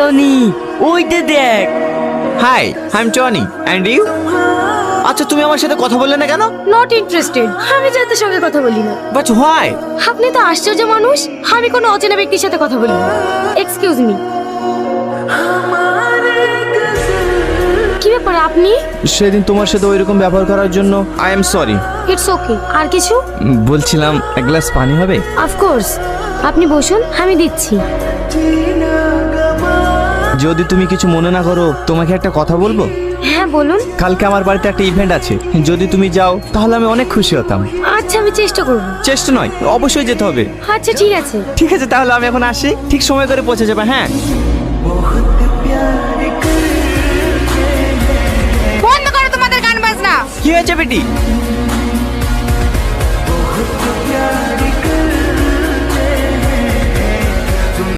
Johnny, ওইটা দেখ। Hi, I am Tony and you? আচ্ছা, তুমি আমার সাথে কথা বললে না কেন? নট ইন্টারেস্টেড, আমি যাদের সঙ্গে কথা বলি না। But why? আপনি তো আশ্চর্য মানুষ, আমি কোনো অচেনা ব্যক্তির সাথে কথা বলি না। এক্সকিউজ মি, কি ব্যাপার আপনি? সেদিন তোমার সাথে ওইরকম ব্যবহার করার জন্য I am sorry. It's okay. আর কিছু? বলছিলাম এক গ্লাস পানি হবে? অফকোর্স, আপনি বসুন, আমি দিচ্ছি। যদি তুমি কিছু মনে না করো, তোমাকে একটা কথা বলবো। হ্যাঁ বলুন। কালকে আমার বাড়িতে একটা ইভেন্ট আছে, যদি তুমি যাও তাহলে আমি অনেক খুশি হতাম। আচ্ছা, আমি চেষ্টা করব। চেষ্টা নয়, অবশ্যই যেতে হবে। আচ্ছা ঠিক আছে। ঠিক আছে, তাহলে আমি এখন আসি, ঠিক সময় করে পৌঁছে যাবে। হ্যাঁ, বন্ধ করো তোমাদের গান বাজনা। কি হয়েছে বেটি?